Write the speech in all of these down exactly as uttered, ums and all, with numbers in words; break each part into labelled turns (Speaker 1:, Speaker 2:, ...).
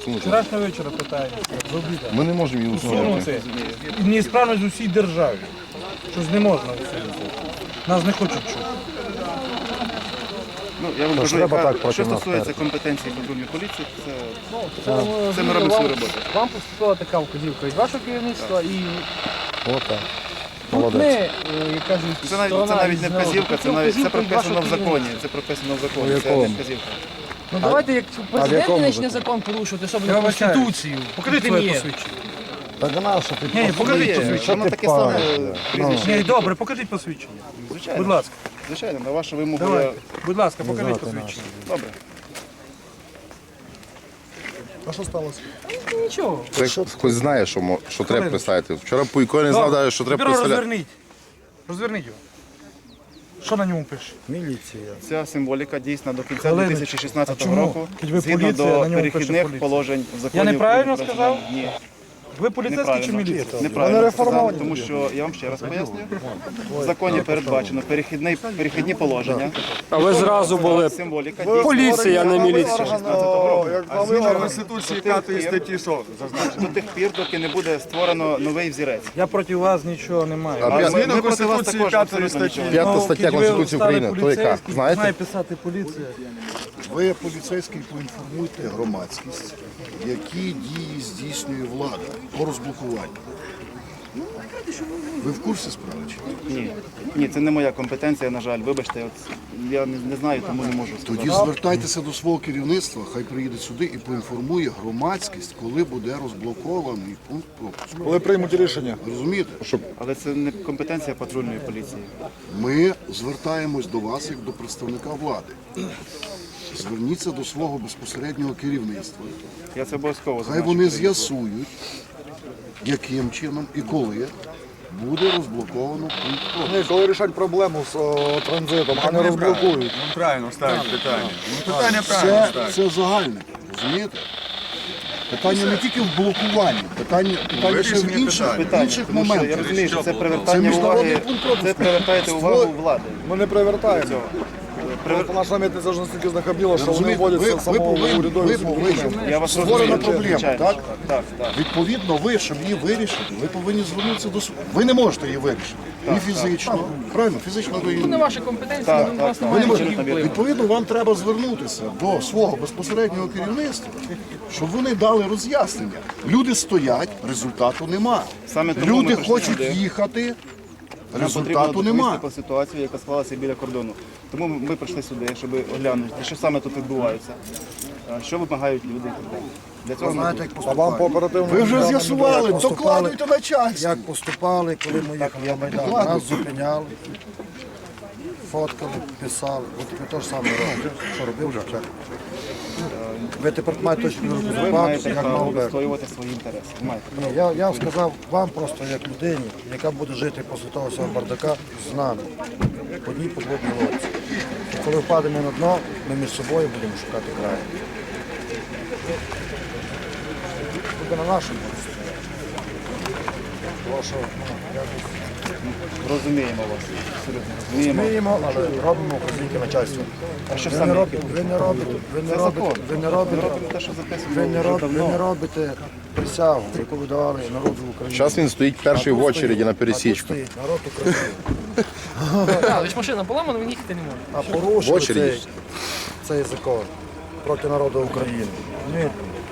Speaker 1: усунути.
Speaker 2: Вчорашнього вечора питається.
Speaker 1: Ми не можемо її усунути.
Speaker 2: Неісправність в усій державі. Щось не можна усунути. Нас не хочуть чути.
Speaker 3: Ну, я вам кажу, яка, що стосується компетенції патрульної поліції, це, це ми робимо свою роботу.
Speaker 2: Вам поступила така вказівка від вашого керівництва і
Speaker 1: Отак.
Speaker 2: тут ми, е, як кажуть,
Speaker 3: Це навіть, це навіть не вказівка, це, навіть, це прописано в законі. Це прописано в законі, це не вказівка.
Speaker 2: Ну давайте, як президент не почне закон порушувати, особливо Конституцію. Покажіть своє посвідчення.
Speaker 1: Так наша ти
Speaker 2: Ні, покажіть
Speaker 3: Є,
Speaker 2: посвідчення.
Speaker 3: воно таке саме прізвище.
Speaker 2: Ні, добре, покажіть посвідчення.
Speaker 3: Звичайно.
Speaker 2: Будь ласка.
Speaker 3: Звичайно, на вашу вимогу
Speaker 2: Давай.
Speaker 3: я...
Speaker 2: Будь ласка, покажіть посвідчення.
Speaker 3: Добре.
Speaker 4: А що сталося?
Speaker 2: Нічого.
Speaker 1: Це хтось знає, що, мо- що треба представити. Вчора Пуйко не знав,
Speaker 2: Добре.
Speaker 1: навіть, що треба
Speaker 2: Тепер
Speaker 1: представляти.
Speaker 2: розверніть. Розверніть його. Що на ньому пише?
Speaker 4: Міліція.
Speaker 3: Ця символіка дійсна до кінця
Speaker 2: Хвилиночку.
Speaker 3: дві тисячі шістнадцятого
Speaker 2: А чому?
Speaker 3: року,
Speaker 2: Хоч ви
Speaker 3: згідно
Speaker 2: поліція,
Speaker 3: до
Speaker 2: на ньому пише
Speaker 3: перехідних
Speaker 2: поліція.
Speaker 3: положень в законі.
Speaker 2: Я неправильно
Speaker 3: України про
Speaker 2: сказав?
Speaker 3: Ні,
Speaker 2: Ви поліцейський чи міліція?
Speaker 3: неправильно сказав, тому що, я вам ще раз поясню, в законі передбачено перехідні, перехідні положення.
Speaker 5: А ви зразу були
Speaker 3: Символіка дійсна
Speaker 5: поліція, а не міліція.
Speaker 3: шістнадцятого року.
Speaker 4: Як зміна Конституції п'ятої статті, що?
Speaker 3: До тих пір, доки не буде створено новий взірець.
Speaker 2: Я проти вас нічого не маю.
Speaker 1: А
Speaker 3: Але
Speaker 1: п'ят-
Speaker 3: ми-
Speaker 4: Зміна
Speaker 3: ми проти вас
Speaker 4: Конституції
Speaker 3: також
Speaker 4: п'ятої
Speaker 3: абсолютно
Speaker 4: статті.
Speaker 3: нічого.
Speaker 1: П'ята
Speaker 2: Ну,
Speaker 1: стаття
Speaker 2: хоч ви
Speaker 1: Конституції
Speaker 2: стали
Speaker 1: України. То яка?
Speaker 2: поліцейським,
Speaker 1: Знаєте?
Speaker 2: Знає писати поліція.
Speaker 4: Ви, поліцейський, поінформуйте громадськість, які дії здійснює влада по розблокуванню. Ви в курсі справи? чи ні?
Speaker 3: Ні, ні, це не моя компетенція, на жаль. Вибачте, от я не, не знаю, тому не можу сказати.
Speaker 4: Тоді звертайтеся до свого керівництва, хай приїде сюди і поінформує громадськість, коли буде розблокований пункт пропуску.
Speaker 6: Коли приймуть рішення?
Speaker 4: Розумієте?
Speaker 3: Але це не компетенція патрульної поліції.
Speaker 4: Ми звертаємось до вас як до представника влади. Зверніться до свого безпосереднього керівництва.
Speaker 3: Я це обов'язково
Speaker 4: Хай
Speaker 3: зазначу.
Speaker 4: вони з'ясують, яким чином і коли буде розблоковано пункт пропуску.
Speaker 6: Ні, коли рішать проблему з о, транзитом, а не розблокують.
Speaker 7: Правильно ставить питання. Ну, питання правильно
Speaker 4: Це,
Speaker 7: ставить.
Speaker 4: це загальне, розумієте? Питання не тільки в блокуванні, питання, питання ще в
Speaker 7: Вирішення
Speaker 4: інших,
Speaker 7: питань.
Speaker 4: в
Speaker 3: Питання,
Speaker 4: інших
Speaker 3: тому що я
Speaker 4: моментах.
Speaker 3: розумію, що це
Speaker 4: Це
Speaker 3: привертання
Speaker 4: міжнародний
Speaker 3: уваги,
Speaker 4: пункт пропуску.
Speaker 3: це привертаєте увагу влади.
Speaker 6: Ми не привертаємо.
Speaker 3: Привер-
Speaker 6: Просто наша митниця ж настільки знахабіла, що вони
Speaker 4: Розумієте,
Speaker 6: вводять
Speaker 4: ви,
Speaker 6: це
Speaker 4: ви
Speaker 6: самого
Speaker 4: повинні,
Speaker 6: урядові
Speaker 4: ви повинні.
Speaker 3: Я вас
Speaker 4: Створена
Speaker 3: розумію,
Speaker 4: проблема,
Speaker 3: звичайно.
Speaker 4: так?
Speaker 3: Так, так.
Speaker 4: Відповідно, ви, щоб її вирішити, ви повинні звернутися до суду. Ви не можете її вирішити. Ні фізично. Правильно, фізично ви її
Speaker 2: Не ваша компетенція,
Speaker 3: Так,
Speaker 2: у
Speaker 3: так,
Speaker 2: вас
Speaker 3: так.
Speaker 4: Ви не
Speaker 2: немає
Speaker 4: можете.
Speaker 2: ніяких впливу.
Speaker 4: Відповідно, вам треба звернутися до свого безпосереднього керівництва, щоб вони дали роз'яснення. Люди стоять, результату нема.
Speaker 3: Саме тому ми
Speaker 4: Люди
Speaker 3: прийшли
Speaker 4: хочуть
Speaker 3: сюди.
Speaker 4: їхати,
Speaker 3: Нам потрібно
Speaker 4: результату
Speaker 3: доповісти
Speaker 4: нема.
Speaker 3: про ситуацію, яка склалася біля кордону. Тому ми ми прийшли сюди, щоб оглянути, що саме тут відбувається, а, що вимагають люди і так далі. Для цього ми тут.
Speaker 6: А вам по оперативному...
Speaker 4: Ви вже з'ясували,
Speaker 8: Як поступали-
Speaker 4: докладуйте начальству.
Speaker 8: Як поступали, коли ми їхали на Майдан, нас зупиняли, фоткали, писали. От ви теж саме робите. Що робив вже вчора? Ви тепер маєте точно
Speaker 3: Ви
Speaker 8: розбиратися,
Speaker 3: маєте
Speaker 8: як
Speaker 3: право
Speaker 8: мав би.
Speaker 3: відстоювати свої інтереси. Маєте.
Speaker 8: Ні, я, я сказав вам просто як людині, яка буде жити після того всього бардака з нами. В одній подводній лодці. І коли впадемо на дно, ми між собою будемо шукати краю. Буде на нашому місці. Тому що, ну, якось
Speaker 3: Розуміємо вас. Абсолютно розуміємо.
Speaker 8: вміємо, але робимо вказівки начальства.
Speaker 3: А що
Speaker 8: Ви
Speaker 3: саме
Speaker 8: не
Speaker 3: які
Speaker 8: робите, ви не робите, ви не
Speaker 3: Це
Speaker 8: робите,
Speaker 3: закон.
Speaker 8: ви не
Speaker 3: Ми
Speaker 8: робите,
Speaker 3: робимо те, що записано
Speaker 8: ви не
Speaker 3: вже
Speaker 8: робите, ви не
Speaker 3: давно.
Speaker 8: робите присягу, яку ви давали народу України.
Speaker 1: Зараз він стоїть перший
Speaker 8: А
Speaker 1: в
Speaker 8: тут
Speaker 1: очереді
Speaker 8: стоїть-
Speaker 1: на
Speaker 8: а тут
Speaker 1: пересічку.
Speaker 8: стоїть народ України.
Speaker 2: Так, лише машина поламана, він їхати не може.
Speaker 8: А
Speaker 1: В
Speaker 8: порушили
Speaker 1: очереді.
Speaker 8: цей, цей закон проти народу України. Ні.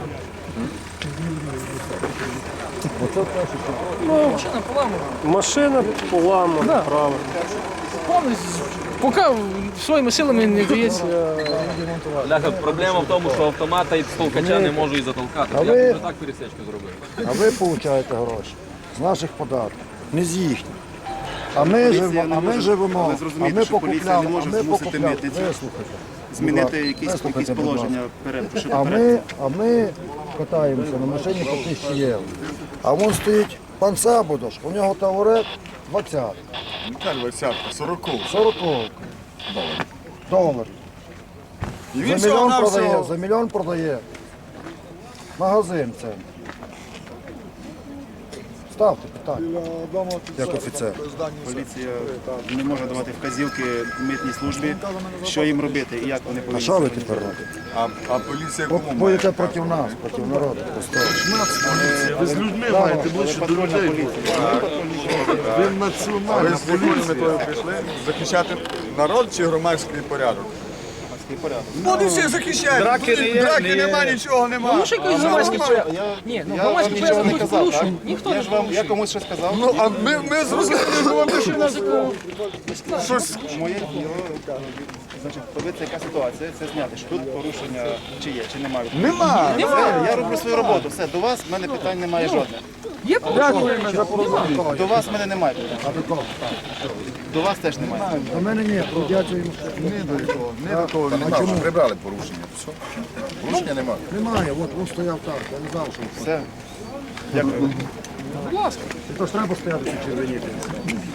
Speaker 2: Машина поламана.
Speaker 5: Машина поламана, правильно.
Speaker 2: Повністю. Поки своїми силами не вдається.
Speaker 9: Ляха, проблема в тому, що автомата і толкача не можу і затолкати.
Speaker 8: А
Speaker 9: Я
Speaker 8: ви-
Speaker 9: вже так пересечку зробив.
Speaker 8: А ви получаєте гроші з наших податків, не з їхніх. А ми живемо,
Speaker 3: не
Speaker 8: а ми
Speaker 3: може-
Speaker 8: живемо,
Speaker 3: але
Speaker 8: а
Speaker 3: зрозумійте,
Speaker 8: ми
Speaker 3: що поліція
Speaker 8: покупляли,
Speaker 3: не
Speaker 8: а
Speaker 3: може
Speaker 8: ми
Speaker 3: змусити
Speaker 8: покупляли.
Speaker 3: митницю
Speaker 8: Вислухайте.
Speaker 3: Змінити
Speaker 8: Будь ласка,
Speaker 3: якісь, якісь
Speaker 8: вислухайте, будь ласка.
Speaker 3: положення перед.
Speaker 8: А ми, а ми катаємося на машині по тисячі євро. А вон стоїть пан Сабудош, у нього тавурет двадцять,
Speaker 7: Яка двадцятка, сороковка.
Speaker 8: сорок доларів.
Speaker 7: І він
Speaker 8: За мільйон
Speaker 7: всього
Speaker 8: продає,
Speaker 7: навсього.
Speaker 8: за мільйон продає. Магазин це. Ставте питання. Як офіцер.
Speaker 3: Поліція не може давати вказівки митній службі, що їм робити і як вони
Speaker 8: А
Speaker 3: повинні.
Speaker 8: що ви тепер робите?
Speaker 7: А, а поліція кому має?
Speaker 8: Боїте проти нас, проти народу. Просто.
Speaker 4: Ви з людьми маєте ближче до
Speaker 3: Патрульна
Speaker 4: людей.
Speaker 3: поліція.
Speaker 4: Ви
Speaker 7: А ви
Speaker 4: національна
Speaker 7: з якою метою
Speaker 4: поліція.
Speaker 7: прийшли? Захищати народ чи громадський порядок? Вони всі захищають. Драки, Драки нема, нічого нема.
Speaker 2: Ну, що якийсь громадський порядок? Ні, ну
Speaker 3: Я
Speaker 2: громадський
Speaker 3: вам нічого
Speaker 2: порядок
Speaker 3: не
Speaker 2: тут
Speaker 3: казав, так?
Speaker 2: порушень. Ніхто
Speaker 3: Я
Speaker 2: не
Speaker 3: ж вам, я
Speaker 2: порушує.
Speaker 3: комусь щось сказав.
Speaker 7: Ну, а ми, ми зрозуміли, що вам пишуть нас. Щось.
Speaker 3: Моє діло, значить, подивитися, яка ситуація, це зняти, що тут порушення чи є, чи немає.
Speaker 7: Нема.
Speaker 3: Все, я роблю свою роботу, все, до вас в мене питань немає жодних.
Speaker 2: Є порушення?
Speaker 3: До вас в мене немає питань.
Speaker 8: А до кого?
Speaker 3: До вас теж немає.
Speaker 8: До мене ні, трудяться йому.
Speaker 7: Не до того, не до того.
Speaker 1: Нема, вже прибрали порушення. Все. Порушення немає.
Speaker 8: Немає, от він стояв так, я не знав, що він.
Speaker 3: Все. Дякую.
Speaker 8: І то ж треба стояти чи червоніти.